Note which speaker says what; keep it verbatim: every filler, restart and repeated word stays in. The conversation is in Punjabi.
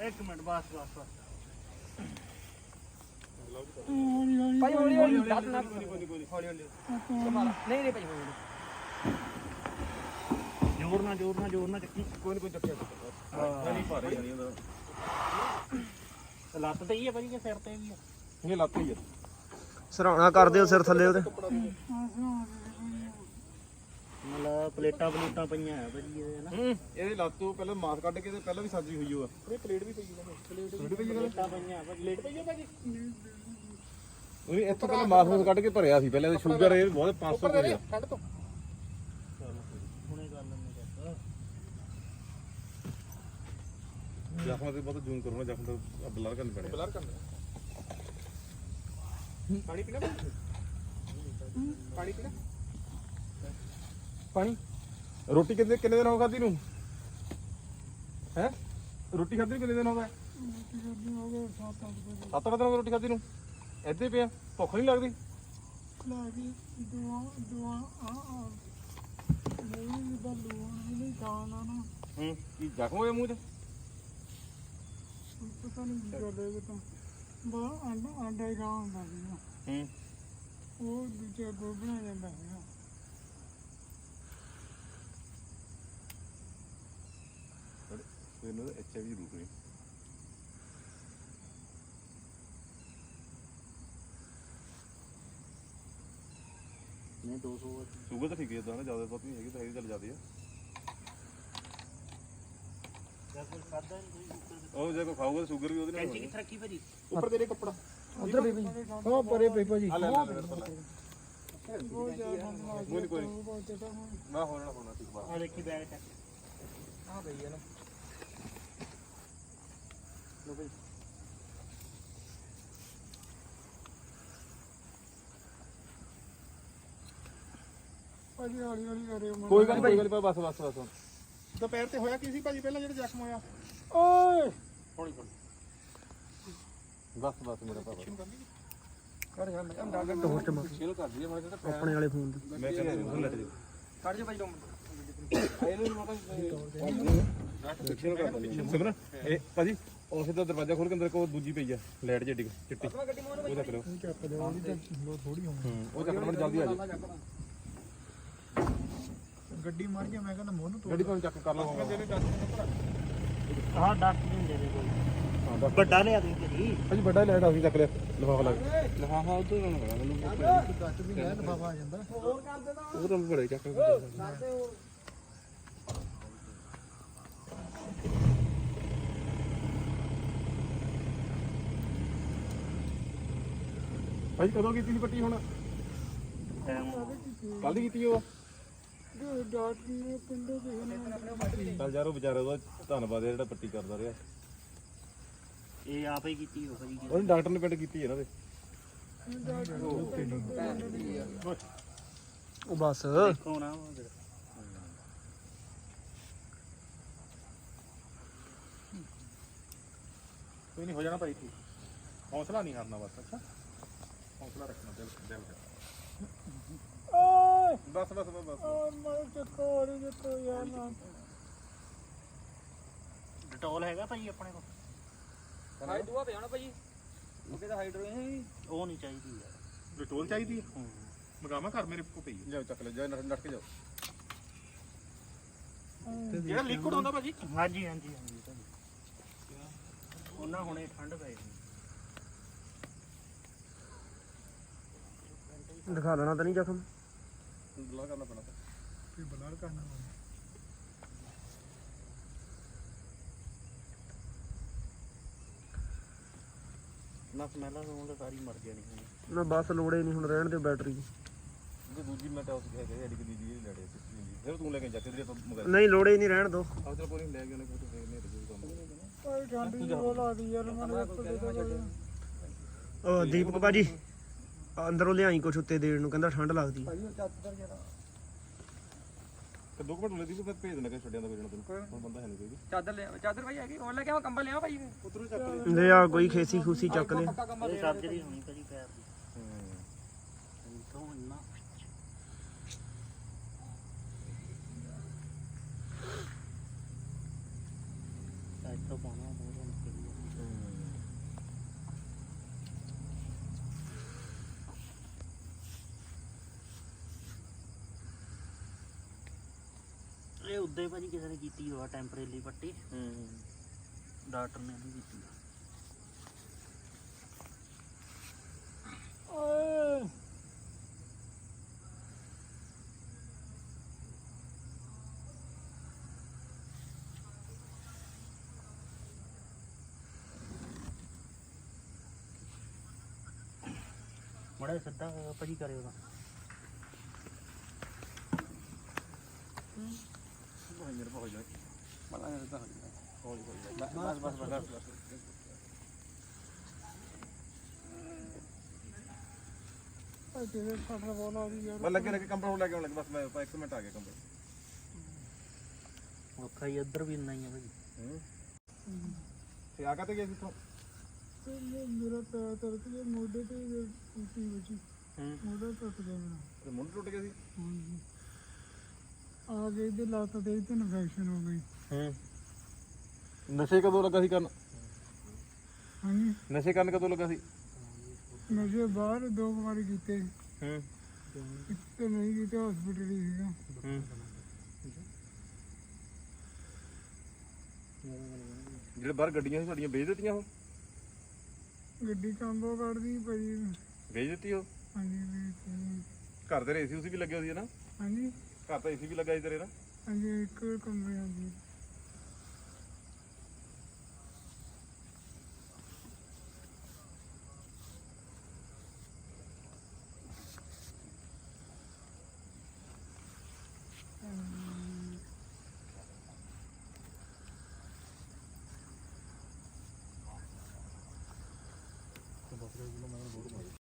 Speaker 1: ਇੱਕ ਮਿੰਟ ਬਸ ਬਸ ਬਸ
Speaker 2: ਭਾਈ ਹੌਲੀ ਹੌਲੀ ਦੱਸ ਨਾ ਹੌਲੀ ਹੌਲੀ ਨਹੀਂ ਨਹੀਂ ਭਾਈ ਹੌਲੀ
Speaker 1: ਜ਼ੋਰ ਨਾਲ ਜ਼ੋਰ ਨਾਲ ਜ਼ੋਰ ਨਾਲ ਚੱਕੀ
Speaker 3: ਕੋਈ ਨਹੀਂ ਕੋਈ ਚੱਕਿਆ ਹਾਂ ਨਹੀਂ ਭਾਰੇ ਜਾਨੀ ਉਹਦਾ
Speaker 1: ਲੱਤ ਤੇ ਹੀ ਹੈ ਭਾਜੀ ਕਿ ਸਿਰ ਤੇ ਵੀ ਆ
Speaker 3: ਇਹ ਲੱਤ ਹੀ ਆ
Speaker 4: ਸਰਾਣਾ ਕਰ ਦਿਓ ਸਿਰ ਥੱਲੇ ਉਹਦੇ
Speaker 1: ਮਤਲਬ ਪਲੇਟਾਂ ਪਲੂਟਾਂ ਪਈਆਂ ਆ ਭਾਜੀ ਇਹਦੇ ਨਾ
Speaker 3: ਹੂੰ ਇਹਦੇ ਲੱਤ ਤੋਂ ਪਹਿਲਾਂ ਮਾਸ ਕੱਢ ਕੇ ਤੇ ਪਹਿਲਾਂ ਵੀ ਸਾਜੀ ਹੋਈ ਹੋਆ ਇਹ ਪਲੇਟ ਵੀ ਪਈ ਹੈ ਪਲੇਟ ਵੀ ਪਈ ਹੈ
Speaker 1: ਪਲੇਟਾਂ ਪਈਆਂ ਭਾਜੀ ਪਲੇਟ ਪਈ ਆ ਭਾਜੀ
Speaker 3: ਉਹ ਵੀ ਇੱਥੋਂ ਪਹਿਲਾਂ ਮਾਸ ਮੂਸ ਕੱਢ ਕੇ ਭਰਿਆ ਸੀ ਪਹਿਲਾਂ ਇਹ ਸ਼ੂਗਰ ਇਹ ਬਹੁਤ ਪੰਜ ਸੌ ਰੁਪਏ
Speaker 1: ਠੰਡ ਤੋਂ ਹੁਣੇ ਕਰ ਲੈਂਦੇ ਚੱਕ
Speaker 3: ਜ਼ਖਮਾਂ ਤੇ ਬਹੁਤ ਜ਼ੂਮ ਕਰੋ ਨਾ ਜ਼ਖਮ ਤਾਂ ਬਲਰ ਕਰਨ ਪੈਣੇ ਬਲਰ ਕਰਨਾ ਪਾਣੀ ਪੀਣਾ ਪਾਣੀ ਪੀਣਾ ਪਾਣੀ ਰੋਟੀ ਕਿੰਨੇ ਕਿੰਨੇ ਦਿਨ ਹੋ ਖਾਦੀ ਨੂੰ ਹੈ ਰੋਟੀ ਖਾਦੀ ਕਿੰਨੇ ਦਿਨ ਹੋ ਗਏ ਸੱਤ ਅੱਠ ਦਿਨ ਹੋ ਗਏ ਰੋਟੀ ਖਾਦੀ ਨੂੰ ਇੱਥੇ ਪਿਆ ਭੁੱਖ ਨਹੀਂ ਲੱਗਦੀ
Speaker 2: ਲੱਗਦੀ ਦੁਆ ਦੁਆ ਆ ਆ ਨਹੀਂ ਬਲੂ ਨਹੀਂ ਖਾਣਾ ਨਾ
Speaker 3: ਹੂੰ ਕੀ ਜ਼ਖਮ ਹੋਇਆ ਮੂੰਹ 'ਚ
Speaker 2: ਪਤਾ ਨਹੀਂ ਕੀ ਕਰਦੇ ਇਹ ਤਾਂ ਬਾ ਅੰਡਾ ਅੰਡਾ ਹੀ ਗਾਂ ਹੁੰਦਾ ਸੀਗਾ
Speaker 3: ਹੂੰ
Speaker 2: ਉਹ ਦੂਜਾ ਗੋਬਣਾ ਜਾਂਦਾ ਸੀਗਾ
Speaker 3: ਇਹਨੂੰ ਐਚ ਆਈ ਵੀ ਰੂਪ ਨਹੀਂ
Speaker 1: ਨਹੀਂ ਦੋ ਸੌ
Speaker 3: ਸ਼ੂਗਰ ਤਾਂ ਠੀਕ ਹੈ ਇਦਾਂ ਨਾ ਜ਼ਿਆਦਾ ਬਹੁਤ ਨਹੀਂ ਹੈਗੀ ਤਾਂ ਹੈਗੀ ਚੱਲ ਜਾਂਦੀ ਆ
Speaker 1: ਕੋਈ ਖਾਦਾ ਨਹੀਂ ਕੋਈ
Speaker 3: ਉਹ ਜੇ ਕੋ ਖਾਊਗਾ ਤਾਂ ਸ਼ੂਗਰ ਵੀ ਉਹਦੇ ਨਾਲ
Speaker 1: ਕੈਂਚੀ ਕਿੱਥੇ ਰੱਖੀ ਭਾਜੀ
Speaker 3: ਉੱਪਰ ਤੇਰੇ ਕੱਪੜਾ
Speaker 4: ਉਧਰ ਵੀ ਹਾਂ ਪਰੇ ਪਈ ਭਾਜੀ
Speaker 3: ਆ ਲੈ ਲੈ ਲੈ
Speaker 2: ਬਹੁਤ ਜ਼ਿਆਦਾ
Speaker 3: ਕੋਈ ਨੀ, ਕੋਈ ਨੀ।
Speaker 2: ਬਹੁਤ ਜ਼ਿਆਦਾ ਹੁਣ
Speaker 3: ਨਾ ਹੋਣਾ ਹੋਣਾ ਠੀਕ ਬਾਤ
Speaker 1: ਆ ਦੇਖੀ ਬੈਗ ਚੱਕ
Speaker 2: ਆ ਗਈ ਹੈ ਨਾ
Speaker 1: ਲੋ ਭਾਈ
Speaker 2: ਭਾਜੀ ਹੌਲੀ ਹੌਲੀ ਕਰਿਓ ਮੈਂ
Speaker 3: ਕੋਈ ਗੱਲ ਨੀ, ਕੋਈ ਗੱਲ ਨੀ, ਬਸ ਬਸ ਬਸ
Speaker 2: ਦੁਪਹਿਰ ਤੇ ਹੋਇਆ ਕੀ ਸੀ ਭਾਜੀ ਪਹਿਲਾਂ ਜਿਹੜਾ ਜ਼ਖਮ ਹੋਇਆ
Speaker 3: ਓਏ ਹੌਲੀ ਹੌਲੀ ਬਸ ਬਸ ਮੇਰਾ ਭਰਾ
Speaker 2: ਕਰ ਜਾ ਮੈਂ ਅੰਡਾ
Speaker 4: ਟੋਰ ਚ ਮਾਰ
Speaker 3: ਇਹਨੂੰ ਕਰ ਦਈਏ ਮੈਂ ਤਾਂ
Speaker 4: ਆਪਣੇ ਵਾਲੇ ਫੋਨ ਤੇ
Speaker 3: ਮੈਂ ਕਹਿੰਦਾ ਉਹ ਲੈ ਦੇ
Speaker 2: ਕੱਢ ਜਾ ਭਾਜੀ ਦੋ
Speaker 3: ਇਹਨੂੰ ਮਤਾ ਪਿੱਛੇ ਨੂੰ ਕਰ ਦਿੰਦੇ ਸਿਮਰਨ ਇਹ ਭਾਜੀ ਉਸੇ ਦਾ ਦਰਵਾਜ਼ਾ ਖੋਲ ਕੇ ਅੰਦਰ ਕੋ ਦੂਜੀ ਪਈ ਆ ਲਾਈਟ ਜਿਹੀ ਚਿੱਟੀ ਉਹ ਚੱਕ ਲਿਓ
Speaker 2: ਚੱਕ ਦੇ ਉਹਦੀ ਤਾਂ ਥੋੜੀ ਹੋਣੀ
Speaker 3: ਹੂੰ ਉਹ ਚੱਕਣ ਬੜੀ ਜਲਦੀ ਆ ਜਾ
Speaker 2: ਗੱਡੀ ਮਾਰ ਕੇ ਮੈਂ ਕਹਿੰਦਾ ਮੋਹ ਨੂੰ
Speaker 3: ਗੱਡੀ ਕੋਲ ਚੱਕ ਕਰ ਲਓ
Speaker 1: ਹਾਂ ਡੱਕ ਦਿੰਦੇ ਨੇ ਕੋਈ
Speaker 3: ਹਾਂ ਦੱਸ
Speaker 1: ਵੱਡਾ ਲਿਆ ਦੇ ਭਾਜੀ
Speaker 3: ਭਾਜੀ ਵੱਡਾ ਲਾਈਟ ਆ ਸੀ ਚੱਕ ਲਿਆ ਲਿਫਾਫਾ ਲੱਗ ਲਿਫਾਫਾ ਉਧਰ ਨੂੰ ਲਗਾ ਮੈਨੂੰ
Speaker 2: ਗੱਟ ਵੀ ਲੈ ਲਫਾਫਾ ਆ ਜਾਂਦਾ ਹੋਰ ਕਰ ਦੇਣਾ
Speaker 3: ਉਹ ਤਾਂ ਬੜੇ ਚੱਕ ਭਾਈ ਕਦੋਂ ਕੀਤੀ ਸੀ ਪੱਟੀ ਹੁਣ ਕੱਲ ਦੀ ਕੀਤੀ ਉਹ
Speaker 2: ਜੋ ਡਾਕਟਰ ਨੇ ਪਿੰਡੋਂ ਕਿਸੇ ਨੇ
Speaker 3: ਚੱਲ ਯਾਰ ਉਹ ਵਿਚਾਰਾ ਉਹਦਾ ਧੰਨਵਾਦ ਹੈ ਜਿਹੜਾ ਪੱਟੀ ਕਰਦਾ ਰਿਹਾ
Speaker 1: ਇਹ ਆਪ ਹੀ ਕੀਤੀ ਹੋ ਭਾਜੀ
Speaker 3: ਉਹਨੇ ਡਾਕਟਰ ਨੇ ਪਿੰਡ ਕੀਤੀ ਇਹਨਾਂ ਦੇ
Speaker 4: ਉਹ ਬਸ
Speaker 1: ਦੇਖੋ ਨਾ ਉਹ ਫਿਰ।
Speaker 3: ਕੋਈ ਨਹੀਂ ਹੋ ਜਾਣਾ ਭਾਈ ਠੀਕ ਹੌਸਲਾ ਨਹੀਂ ਹਾਰਨਾ ਬਸ ਅੱਛਾ ਹੌਸਲਾ ਰੱਖਣਾ ਦਿਲ ਦਿਲ
Speaker 2: ਓਏ
Speaker 3: ਬਸ ਬਸ ਬਸ ਬਸ
Speaker 2: ਓ ਮੈਂ ਚੱਕੋ ਹੋਰ ਚੱਕੋ ਯਾਰ ਨਾ
Speaker 1: ਡਟੋਲ ਹੈਗਾ ਭਾਜੀ ਆਪਣੇ ਕੋਲ
Speaker 2: ਹਾਈ ਦੁਆ ਪਿਆ ਨਾ ਭਾਜੀ ਉਹ ਕਿਹਦਾ ਹਾਈਡਰੋ ਹੈ
Speaker 1: ਉਹ ਨਹੀਂ ਚਾਹੀਦੀ ਯਾਰ
Speaker 3: ਡਟੋਲ ਚਾਹੀਦੀ ਹੈ
Speaker 1: ਹੂੰ
Speaker 3: ਮਗਾਵਾ ਘਰ ਮੇਰੇ ਕੋ ਪਈ ਜਾਓ ਚੱਕ ਲੈ ਜਾ ਨੱਠ ਕੇ ਜਾਓ ਜਿਹੜਾ ਲਿਕੁਇਡ ਹੁੰਦਾ ਭਾਜੀ
Speaker 1: ਹਾਂਜੀ ਹਾਂਜੀ ਹਾਂਜੀ ਭਾਜੀ ਉਹਨਾਂ ਹੁਣੇ ਠੰਡ ਪੈ ਗਈ
Speaker 4: ਦਿਖਾ ਲੈਣਾ ਤਾਂ ਨਹੀਂ ਜ਼ਖਮ
Speaker 3: ਬਲਾ ਕਰਨਾ ਪੈਣਾ
Speaker 2: ਕੋਈ ਬਲਾਰ ਕਰਨਾ
Speaker 1: ਨਾ ਸਮੈਲਾਂ ਨੂੰ ਤਾਂ ਸਾਰੀ ਮਰ ਜਾਣੀ ਹੁਣ
Speaker 4: ਨਾ ਬਸ ਲੋੜੇ ਨਹੀਂ ਹੁਣ ਰਹਿਣ ਦੇ ਬੈਟਰੀ
Speaker 3: ਜੇ ਦੂਜੀ ਮੈਂ ਤਾਂ ਉਸ ਕਹਿ ਗਿਆ ਐਡੀ ਦੀ ਜੀ ਲੜੇ ਫਿਰ ਤੂੰ ਲੈ ਕੇ ਜਾ ਕੇ ਆਪਾਂ ਮਗਰ
Speaker 4: ਨਹੀਂ ਲੋੜੇ ਹੀ ਨਹੀਂ ਰਹਿਣ ਦੋ
Speaker 3: ਆਹ ਚਲ ਕੋਈ ਨਹੀਂ ਲੈ ਕੇ ਉਹਨੇ ਕੋਈ ਫੇਰ ਨਹੀਂ ਰਜੂ ਕੰਮ
Speaker 2: ਓਏ ਠੰਡੀ ਦੀ ਬੋਲਾ ਦੀ ਯਾਰ ਮੈਂ
Speaker 4: ਉਹ ਦੀਪਕ ਭਾਜੀ ਅੰਦਰੋਂ ਲਿਆਈ ਕੁਛ ਉੱਤੇ ਦੇਣ ਨੂੰ ਕਹਿੰਦਾ ਠੰਡ ਲੱਗਦੀ
Speaker 2: ਭਾਈ ਚੱਦਰ ਜਰਾ
Speaker 3: ਤੇ ਦੋ ਘੰਟੇ ਲੈਦੀ ਫਿਰ ਭੇਜ ਦੇਣਾ ਕਿ ਛੱਡਿਆਂ ਦਾ ਵੇਚਣਾ ਤੈਨੂੰ ਹੁਣ ਬੰਦਾ ਹੈ ਨਹੀਂ ਕੋਈ
Speaker 2: ਚਾਦਰ ਲੈ ਚਾਦਰ ਭਾਈ ਹੈਗੀ ਹੋਰ ਲੈ ਕੇ ਆ ਕੰਬਲ ਲਿਆ ਭਾਈ
Speaker 3: ਉਧਰੋਂ ਚੱਕ ਲੈ
Speaker 4: ਲੈ ਆ ਕੋਈ ਖੇਸੀ ਖੂਸੀ ਚੱਕ ਲੈ
Speaker 2: ਪੱਕਾ ਕੰਬਲ
Speaker 1: ਇਹ ਸਰਜਰੀ ਹੋਣੀ ਭਾਜੀ ਪੈਰ ਦੀ
Speaker 3: ਹੂੰ
Speaker 1: ਤੋਂ ਇੰਨਾ ਸਾਈਡ ਤੋਂ ਪਾਉਣਾ ਬਹੁਤ ਮੁਸ਼ਕਿਲ ਉੱਦੇ ਭਾਜੀ ਕਿਸੇ ਨੇ ਕੀਤੀ ਹੋਆ ਟੈਂਪਰੇਰੀ ਪੱਟੀ
Speaker 3: ਹੂੰ
Speaker 1: ਡਾਕਟਰ ਨੇ ਵੀ ਕੀਤੀ ਮੜਾ ਸਿੱਧਾ ਭਾਜੀ ਕਰਿਓ ਤਾਂ
Speaker 3: ਮੇਰੇ ਪਹੁੰਚ ਜਾ ਬਣਾ ਦੇ ਤਾਂ ਹੌਲੀ ਹੌਲੀ ਬਸ ਬਸ ਬਸ ਬਸ
Speaker 2: ਤੇਰੇ ਫਟਰ ਬੋਲ ਆ ਰਹੀ ਯਾਰ
Speaker 3: ਬਸ ਲੱਗੇ ਲੱਗੇ ਕੰਪਨੀ ਲੈ ਕੇ ਆਉਣ ਲੱਗੇ ਬਸ ਮੈਂ ਇੱਕ ਮਿੰਟ ਆ ਗਿਆ ਕੰਪਨੀ
Speaker 1: ਔਖਾ ਹੀ ਇੱਧਰ ਵੀ ਇੰਨਾ ਹੀ ਆ ਭਾਜੀ
Speaker 3: ਹੂੰ ਤੇ ਆ ਕਾਤੇ ਗਿਆ ਸੀ ਤੂੰ
Speaker 2: ਮੇਰਾ ਪੈਰ ਤਰਕ ਗਿਆ ਮੋਢੇ ਤੇ ਟੁੱਟੀ ਬੱਚੀ
Speaker 1: ਹੂੰ
Speaker 2: ਮੋਢਾ ਟੁੱਟ ਗਿਆ ਮੇਰਾ
Speaker 3: ਤੇ ਮੁੰਡ ਟੁੱਟ ਗਿਆ ਸੀ
Speaker 2: ਹਾਂਜੀ ਆ ਗਈ ਤੇ ਲੱਤ ਤੇ ਤੇ ਇਨਫੈਕਸ਼ਨ ਹੋ ਗਈ
Speaker 3: ਹੂੰ ਨਸ਼ੇ ਕਦੋਂ ਲੱਗਾ ਸੀ ਕਰਨ
Speaker 2: ਹਾਂਜੀ
Speaker 3: ਨਸ਼ੇ ਕਰਨ ਕਦੋਂ ਲੱਗਾ ਸੀ
Speaker 2: ਨਸ਼ੇ ਬਾਹਰ ਦੋ ਵਾਰੀ ਕੀਤੇ
Speaker 3: ਹੂੰ
Speaker 2: ਤੇ ਨਹੀਂ ਕੀਤੇ ਹਸਪੀਟਲ ਹੀ ਸੀਗਾ
Speaker 3: ਹੂੰ ਜਿਹੜੇ ਬਾਹਰ ਗੱਡੀਆਂ ਸੀ ਸਾਡੀਆਂ ਵੇਚ ਦਿੱਤੀਆਂ ਉਹ
Speaker 2: ਗੱਡੀ ਕੰਬੋ ਕੱਢਦੀ ਪਈ
Speaker 3: ਵੇਚ ਦਿੱਤੀ ਉਹ
Speaker 2: ਹਾਂਜੀ ਵੀ
Speaker 3: ਘਰ ਦੇ ਏਸੀ ਉਸੀ ਵੀ ਲੱਗੇ ਹੋਏ ਸੀ ਨਾ
Speaker 2: ਹਾਂਜੀ
Speaker 3: ਘਰ ਤਾਂ ਏਸੀ ਵੀ ਲੱਗਾ ਸੀ ਤੇਰੇ ਨਾ
Speaker 2: ਹਾਂਜੀ ਇੱਕ ਕਮਰੇ ਹਾਂਜੀ